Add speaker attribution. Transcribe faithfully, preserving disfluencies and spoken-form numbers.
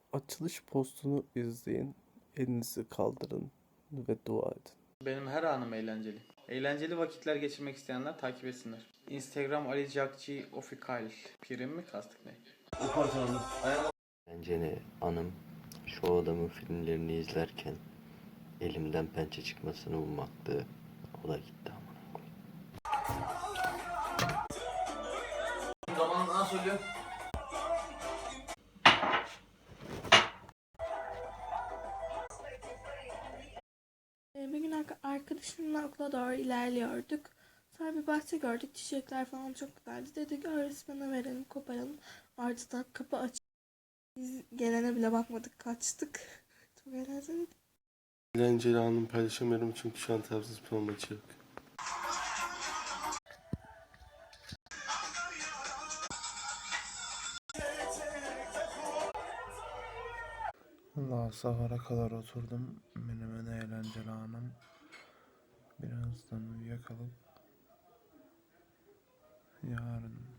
Speaker 1: Açılış postunu izleyin, elinizi kaldırın ve dua edin.
Speaker 2: Benim her anım eğlenceli. Eğlenceli vakitler geçirmek isteyenler takip etsinler. Instagram Ali Cakci Official. Prim mi kastık ne?
Speaker 3: Eğlenceli anım şu adamın filmlerini izlerken elimden pençe çıkmasını ummaktı. O da gitti amına koyayım.
Speaker 2: Zaman nasıl söylüyor?
Speaker 4: Bir gün arka- arkadaşımla okula doğru ilerliyorduk. Sonra bir bahçe gördük. Çiçekler falan çok güzeldi. Dedik öğretmene verelim, koparalım. Ardından kapı aç. Biz gelene bile bakmadık, kaçtık. Çok eğlenceli.
Speaker 5: Eğlenceli anımı paylaşamıyorum çünkü şu an Trabzonspor maçı yok.
Speaker 6: Allah sahura kadar oturdum. Benim en eğlenceli anım. Birazdan uyuyakalıp yarın